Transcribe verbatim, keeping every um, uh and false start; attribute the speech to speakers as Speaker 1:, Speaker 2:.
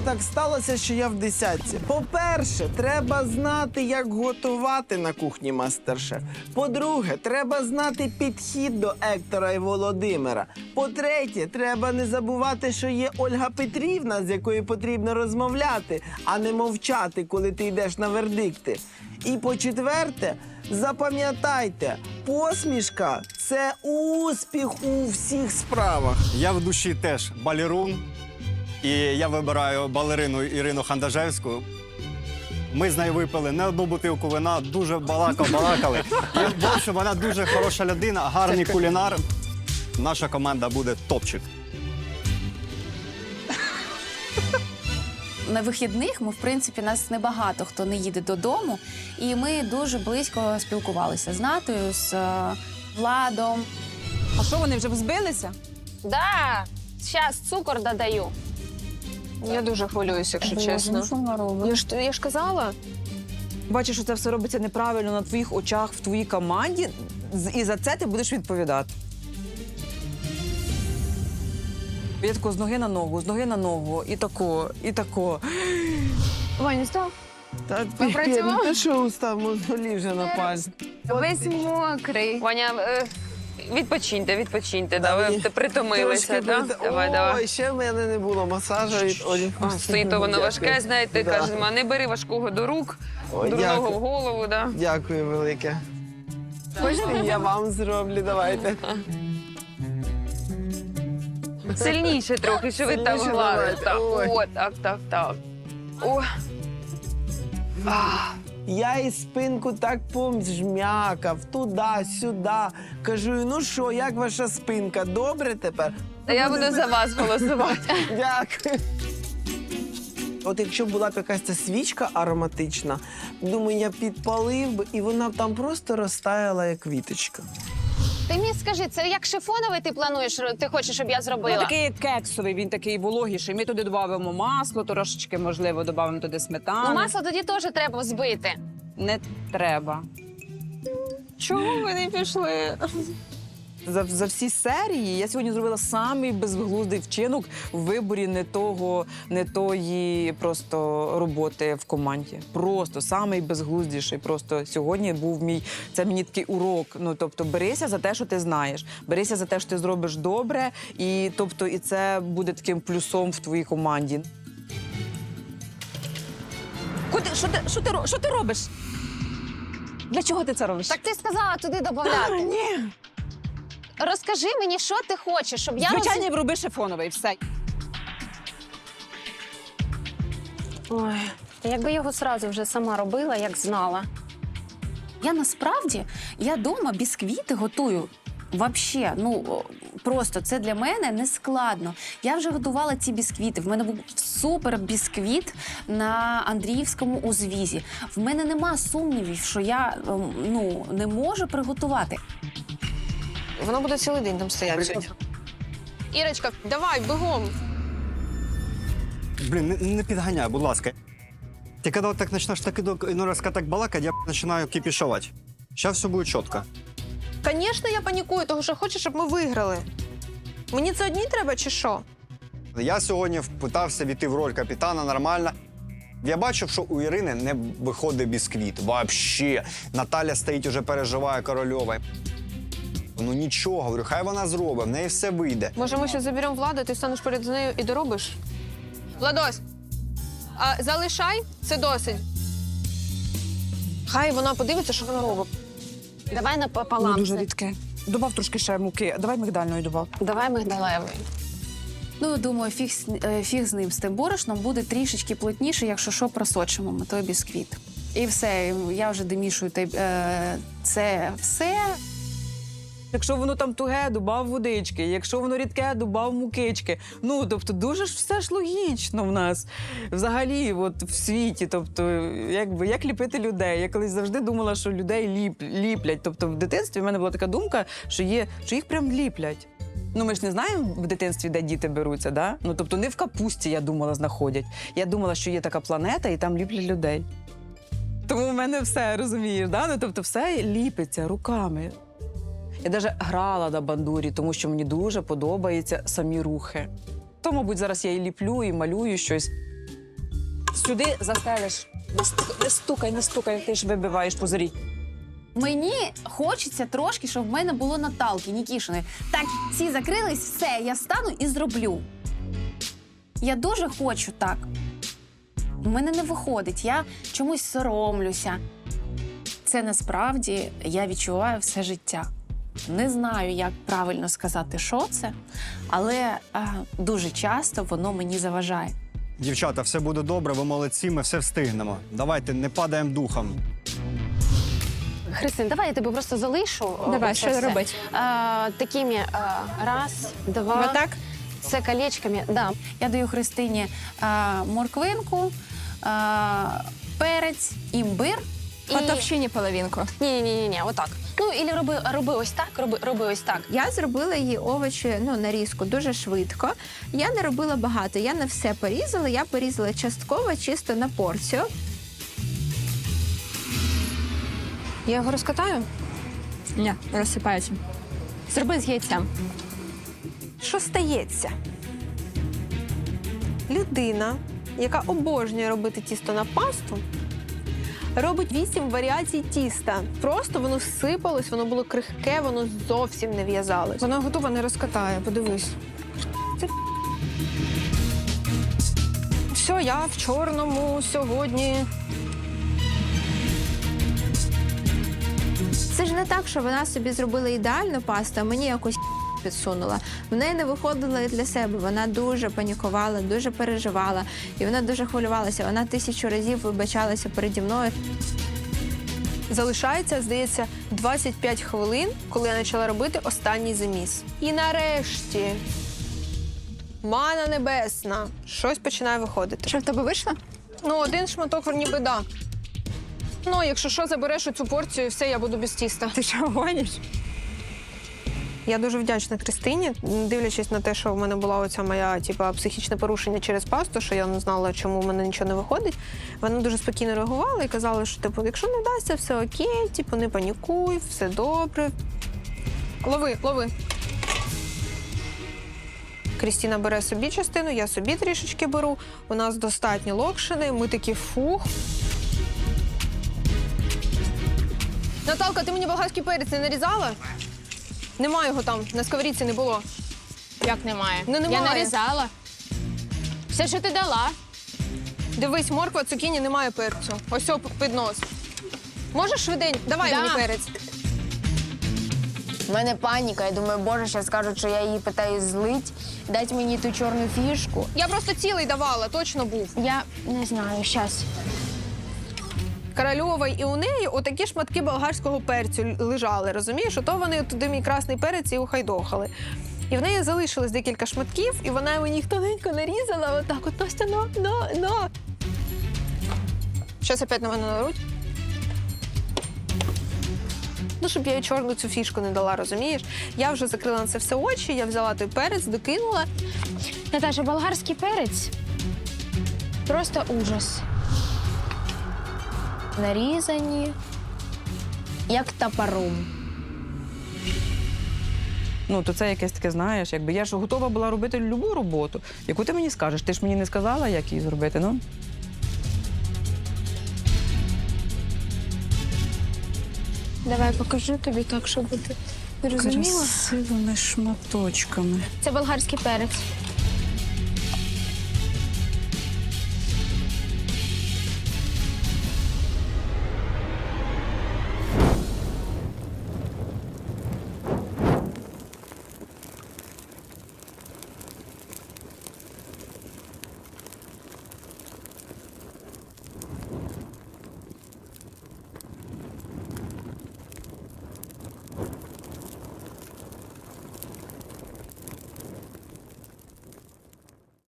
Speaker 1: так сталося, що я в десятці. По-перше, треба знати, як готувати на кухні мастер-шеф. По-друге, треба знати підхід до Ектора і Володимира. По-третє, треба не забувати, що є Ольга Петрівна, з якою потрібно розмовляти, а не мовчати, коли ти йдеш на вердикти. І по-четверте, запам'ятайте, посмішка – це успіх у всіх справах.
Speaker 2: Я в душі теж балерун, і я вибираю балерину Ірину Хандажевську. Ми з нею випили не одну бутилку вина, дуже балакав-балакали. І, в общем, вона дуже хороша людина, гарний кулінар. Наша команда буде топчик.
Speaker 3: На вихідних ми, в принципі, нас небагато хто не їде додому, і ми дуже близько спілкувалися з Натою, з е, Владом.
Speaker 4: А що, вони вже взбилися?
Speaker 5: Да, зараз цукор додаю.
Speaker 6: Я дуже хвилююся, якщо чесно.
Speaker 3: Що вона робить?
Speaker 6: Я ж, я ж казала.
Speaker 4: Бачиш, що це все робиться неправильно на твоїх очах, в твоїй команді, з- і за це ти будеш відповідати. Я тако з ноги на ногу, з ноги на ногу, і тако, і тако.
Speaker 6: Ваня, став.
Speaker 1: Та
Speaker 6: Попрацював?
Speaker 1: ти що устав, мозолі вже на пальці.
Speaker 6: Весь мокрий.
Speaker 5: Ваня, е, відпочиньте, відпочиньте. Да,
Speaker 1: Давай.
Speaker 5: ви притомилися,
Speaker 1: Трошки
Speaker 5: да?
Speaker 1: прит-
Speaker 5: Давай,
Speaker 1: Ой,
Speaker 5: давай.
Speaker 1: ще в мене не було масажу від Олі.
Speaker 5: О, стоїть то воно важке, знаєте,
Speaker 1: Да.
Speaker 5: каже, не бери важкого до рук,
Speaker 1: Ой,
Speaker 5: дурного
Speaker 1: дякую.
Speaker 5: в голову, да?
Speaker 1: Дякую велике. Хочете, я вам зроблю, давайте.
Speaker 5: Сильніше трохи, що ви там
Speaker 1: Сильніше
Speaker 5: гладите.
Speaker 1: давайте. Ой.
Speaker 5: О, так, так, так. О.
Speaker 1: Я і спинку так помжмякав, туди-сюди. Кажу, ну що, як ваша спинка? Добре тепер?
Speaker 5: Та я буду за вас голосувати.
Speaker 1: Дякую. От якщо була б якась ця свічка ароматична, думаю, я підпалив би, і вона б там просто розтаяла, як квіточка.
Speaker 5: Ти мені скажи, це як шифоновий ти плануєш, ти хочеш, щоб я
Speaker 4: Ну,
Speaker 5: зробила?
Speaker 4: такий кексовий, він такий вологіший. Ми туди додамо масло, трошечки, можливо, додамо туди сметану.
Speaker 5: Ну, масло тоді теж треба збити.
Speaker 4: Не треба.
Speaker 6: Чого ви не пішли?
Speaker 4: За, за всі серії я сьогодні зробила самий безглуздий вчинок в виборі не того, не тої просто роботи в команді. Просто самий безглуздіший. Просто сьогодні був мій, це мені такий урок. Ну, тобто, берися за те, що ти знаєш. Берися за те, що ти зробиш добре, і тобто, і це буде таким плюсом в твоїй команді. Куди, що ти, що ти, ро- що ти робиш? Для чого ти це робиш?
Speaker 5: Так ти сказала туди додати.
Speaker 4: Ні.
Speaker 5: Розкажи мені, що ти хочеш, щоб я роз...
Speaker 4: Звичайно, роби шифоновий, все.
Speaker 5: Ой, та якби його сразу вже сама робила, як знала.
Speaker 3: Я насправді, я дома бісквіти готую. Вообще, ну о, просто це для мене не складно. Я вже готувала ці бісквіти. В мене був супер бісквіт на Андріївському узвізі. В мене нема сумнівів, що я ем, ну не можу приготувати.
Speaker 6: Воно буде цілий день там стояти. Ірочка, давай, бігом.
Speaker 2: Блін, не, не підганяй, будь ласка. Ти коли так почнеш так іну раз так балакати, я починаю кипішувати. Зараз все буде чітко.
Speaker 6: Звісно, я панікую, тому що хочу, щоб ми виграли. Мені це одній треба чи що?
Speaker 2: Я сьогодні питався війти в роль капітана нормально. Я бачив, що у Ірини не виходить бісквіт. Вообще. Наталя стоїть, уже переживає Корольова. Ну нічого, говорю, хай вона зробить, в неї все вийде.
Speaker 6: Може, ми ще заберемо Владу, ти станеш перед нею і доробиш? Владось, а залишай, це досить. Хай вона подивиться, що вона робить.
Speaker 5: Давай напополам.
Speaker 4: Ну, дуже
Speaker 5: це.
Speaker 4: рідке. Добав трошки ще муки. Давай мигдальної добав.
Speaker 5: Давай мигдалевий.
Speaker 3: Ну, думаю, фіг, з- е, фіг з ним, з тим борошном буде трішечки плотніше, якщо що, просочимо ми той бісквіт. І все, я вже домішую те- е, це все.
Speaker 4: Якщо воно там туге, добав водички. Якщо воно рідке, добав мукички. Ну, тобто, дуже ж все ж логічно в нас. Взагалі, от в світі. Тобто, якби, як ліпити людей. Я колись завжди думала, що людей ліп, ліплять. Тобто, в дитинстві в мене була така думка, що є, що їх прям ліплять. Ну, ми ж не знаємо в дитинстві, де діти беруться, да? Ну, тобто, не в капусті, я думала, знаходять. Я думала, що є така планета, і там ліплять людей. Тому в мене все, розумієш, да? Ну, тобто, все ліпиться руками. Я навіть грала на бандурі, тому що мені дуже подобаються самі рухи. То, мабуть, зараз я і ліплю, і малюю щось. Сюди застелиш. Не стукай, не стукай, не стукай, ти ж вибиваєш позорі.
Speaker 3: Мені хочеться трошки, щоб в мене було Наталки Нікішиної. Так, всі закрились, все, я стану і зроблю. Я дуже хочу так. У мене не виходить, я чомусь соромлюся. Це насправді я відчуваю все життя. Не знаю, як правильно сказати, що це, але а, дуже часто воно мені заважає.
Speaker 2: Дівчата, все буде добре, ви молодці, ми все встигнемо. Давайте, не падаємо духом.
Speaker 5: Христин, давай я тебе просто залишу.
Speaker 7: Давай,
Speaker 5: Оце
Speaker 7: що
Speaker 5: все.
Speaker 7: робити?
Speaker 5: А, такими а, раз, два.
Speaker 7: Отак?
Speaker 5: Це колечками. Да.
Speaker 3: Я даю Христині а, морквинку, а, перець, імбир.
Speaker 5: І...
Speaker 7: По товщині половинку.
Speaker 5: Ні, ні, ні, ні, отак. Ну, і роби, роби ось так, роби, роби ось так.
Speaker 7: Я зробила її овочі, ну, нарізку дуже швидко. Я не робила багато, я не все порізала, я порізала частково, чисто на порцію.
Speaker 5: Я його розкатаю?
Speaker 7: Ні, розсипається. Зроби з яйцем.
Speaker 8: Що стається? Людина, яка обожнює робити тісто на пасту, робить вісім варіацій тіста. Просто воно сипалось, воно було крихке, воно зовсім не в'язалось. Вона готова, не розкатає, подивись. Це... Все, я в чорному сьогодні.
Speaker 7: Це ж не так, що вона собі зробила ідеальну пасту, а мені якось підсунула. В неї не виходило і для себе. Вона дуже панікувала, дуже переживала. І вона дуже хвилювалася. Вона тисячу разів вибачалася переді мною.
Speaker 8: Залишається, здається, двадцять п'ять хвилин, коли я почала робити останній заміс. І нарешті, мана небесна, щось починає виходити.
Speaker 7: Що в тебе вийшло?
Speaker 8: Ну, один шматок ніби да. Ну, якщо що, забереш оцю порцію, і все, я буду без тіста.
Speaker 7: Ти що, гониш?
Speaker 8: Я дуже вдячна Христині, дивлячись на те, що в мене була оця моя типа, психічне порушення через пасту, що я не знала, чому в мене нічого не виходить. Вона дуже спокійно реагувала і казала, що типу, якщо не вдасться, все окей, типу, не панікуй, все добре. Лови, лови. Крістіна бере собі частину, я собі трішечки беру. У нас достатньо локшини, ми такі фух. Наталка, ти мені болгарський перець не нарізала? Нема його там, на сковорідці не було.
Speaker 6: Як немає?
Speaker 8: Ну, немає.
Speaker 6: Я нарізала. Все, що ти дала.
Speaker 8: Дивись, морква, цукіні, немає перцю. Ось о, під нос. Можеш швиденько? Давай
Speaker 6: Да.
Speaker 8: мені перець.
Speaker 9: У мене паніка. Я думаю, боже, зараз скажуть, що я її питаю злить, дать мені ту чорну фішку.
Speaker 8: Я просто цілий давала, точно був.
Speaker 9: Я не знаю, щас.
Speaker 8: Корольова і у неї отакі шматки болгарського перцю лежали, розумієш? Ото вони туди мій красний перець і ухайдохали. І в неї залишилось декілька шматків, і вона мені їх тоненько нарізала, отак от, Настя, на, на, на. Щас опять на мене наруть. Ну, щоб я їй чорну цю фішку не дала, розумієш? Я вже закрила на це все очі, я взяла той перець, докинула.
Speaker 9: Наташа, болгарський перець просто ужас. Нарізані, як топором.
Speaker 4: Ну, то це якесь таке, знаєш, якби я ж готова була робити любу роботу, яку ти мені скажеш. Ти ж мені не сказала, як її зробити, ну?
Speaker 9: Давай покажу тобі так, щоб ти розуміла.
Speaker 4: Красивими шматочками.
Speaker 9: Це болгарський перець.